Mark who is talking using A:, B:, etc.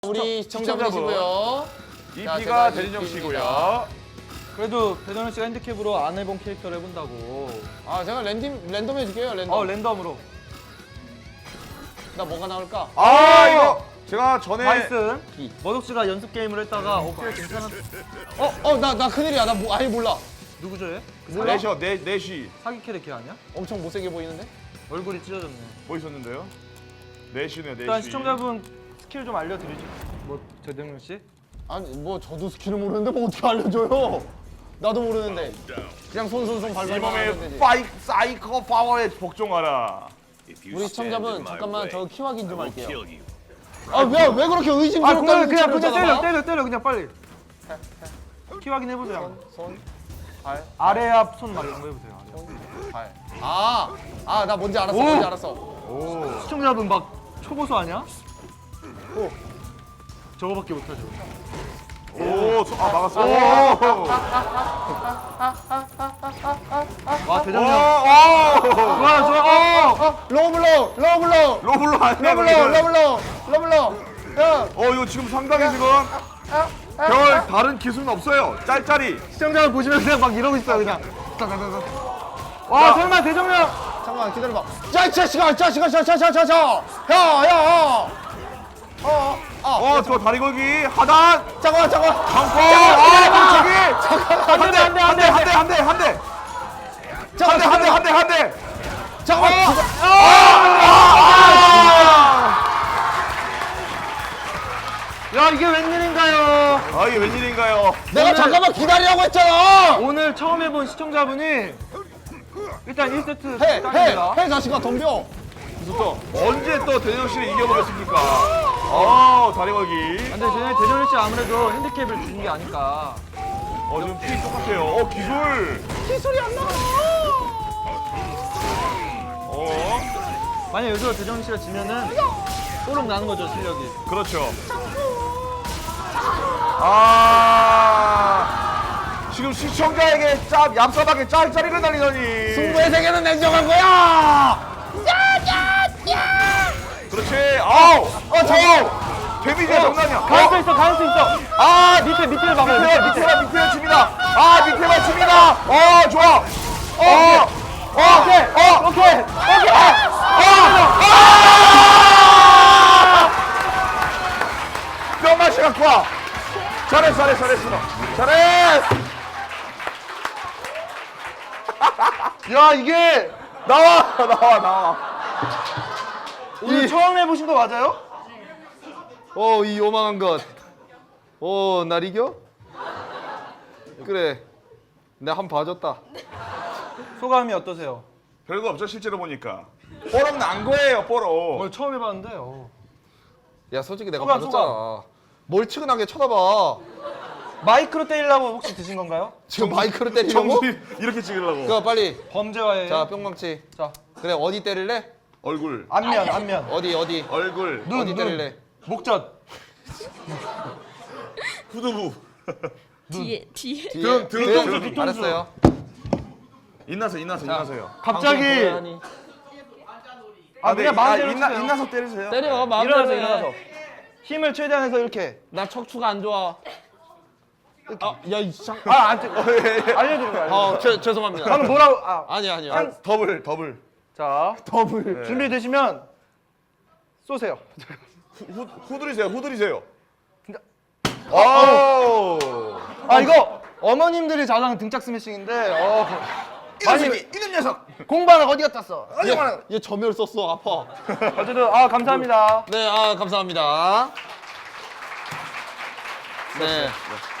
A: 우리 시청자분이시고요.
B: EP가 대진영 씨고요.
C: 그래도 배정현 씨가 핸디캡으로 안 해본 캐릭터를 해본다고.
A: 아 제가 랜덤 해줄게요. 랜덤.
C: 랜덤으로.
A: 나 뭐가 나올까?
B: 아 이거 제가 전에
C: 바이슨. 머독 씨가 연습 게임을 했다가 어깨 괜찮은.
A: 나 큰일이야. 나 아예 몰라.
C: 누구죠 얘?
B: 내셔 내시
C: 사기 캐릭터 아니야?
A: 엄청 못생겨 보이는데?
C: 얼굴이 찢어졌네.
B: 뭐 있었는데요? 내시네요 내시.
C: 일단 시청자분 스킬 좀 알려드리죠. 뭐 배정현 씨?
A: 아니 뭐 저도 스킬을 모르는데 뭐 어떻게 알려줘요? 나도 모르는데. 그냥 손 발발만 하면
B: 이몸의
A: 되지.
B: 사이코 파워에 복종하라.
A: 우리 시청자분 잠깐만 저 키 확인 좀 할게요. 왜 그렇게 의심스럽다는
C: 그냥
A: 눈치를 쳐다봐?
C: 때려 그냥 빨리. 키 확인 해보세요.
A: 손, 발,
C: 아래 앞 손 막 이런 거 해보세요.
A: 발. 나 뭔지 알았어.
C: 오!
A: 뭔지 알았어.
B: 오.
C: 시청자분 막 초보수 아니야? 저거밖에 못하죠.
B: 막았어.
C: 와 대장님. 좋아.
A: 로블로.
B: 로블로 아니야.
A: 러블로. 야,
B: 이거 지금 상당히 지금 별 다른 기술은 없어요. 짤짤이.
C: 시청자분 보시면 그냥 막 이러고 있어요 그냥. 와 설마 대정령.
A: 잠깐만 기다려봐. 야, 이 자식아. 야.
B: 저 다리 걸기 하단.
A: 잠깐만.
B: 강포.
C: 안 돼.
B: 한 대.
A: 잠깐만.
C: 야 이게 웬일인가요?
B: 이게 웬일인가요?
A: 내가 잠깐만 기다리라고 했잖아.
C: 오늘 처음 해본 시청자분이 일단 1세트 딸입니다.
A: 해 자식아 덤벼.
B: 또 언제 또 대정 씨를 이겨보겠습니까? 다리 걸기.
C: 근데 쟤네 대정현 씨 아무래도 핸디캡을 주는 게 아니까.
B: 지금 피 똑같아요. 기술.
A: 기술이 안 나와.
C: 만약 여기서 대정현 씨가 지면은 소름 나는 거죠 실력이.
B: 그렇죠. 지금 시청자에게 얍삽하게 짤짤이를 날리더니.
A: 승부의 세계는 냉정한 거야.
B: 그렇지.
A: 저.
B: 데미지가 장난이야.
C: 가할 수 있어. 밑에 봐봐요.
B: 밑에 칩니다. 밑에만 칩니다. 좋아.
C: 오케이.
B: 뼈맛이 갖고 와. 잘했어.
C: 야 이게
B: 나와.
C: 오늘 처음 해보신 거 맞아요?
A: 이 요망한 것. 날 이겨? 그래. 내가 한 번 봐줬다.
C: 소감이 어떠세요?
B: 별거 없죠 실제로 보니까. 뽀록 난 거예요 뽀록.
C: 오늘 처음 해봤는데.
A: 야 솔직히 내가
C: 소감,
A: 봐줬잖아. 뭘 측은하게 쳐다봐.
C: 마이크로 때리려고 혹시 드신 건가요?
A: 지금 마이크로 때리려고?
B: 정신 이렇게 찍으려고.
A: 그거 빨리.
C: 범죄와의.
A: 자 뿅망치.
C: 자,
A: 그래 어디 때릴래?
B: 얼굴.
C: 안면.
A: 어디?
B: 얼굴.
A: 어디 때릴래?
C: 목젖.
B: 후두부.
D: 뒤에
A: 등. 알았어요.
B: 인나서요.
C: 갑자기. 그냥 마음대로 치세요.
B: 인나서 때리세요.
A: 때려 마음대로
C: 일어나서. 힘을 최대한 해서 이렇게.
A: 나 척추가 안 좋아. 야이 참.
C: 안 찍어. 알려드린 거야.
A: 죄송합니다.
C: 방금 뭐라고?
A: 아니야.
B: 더블.
C: 자, 더블. 준비되시면 쏘세요.
B: 후드리세요.
C: 이거 어머님들이 잘하는 등짝 스매싱인데.
B: 이런 녀석.
C: 공부하는 어디 갔다 왔어?
A: 얘 점열 썼어. 아파.
C: 어쨌든 감사합니다.
A: 네, 감사합니다. 네.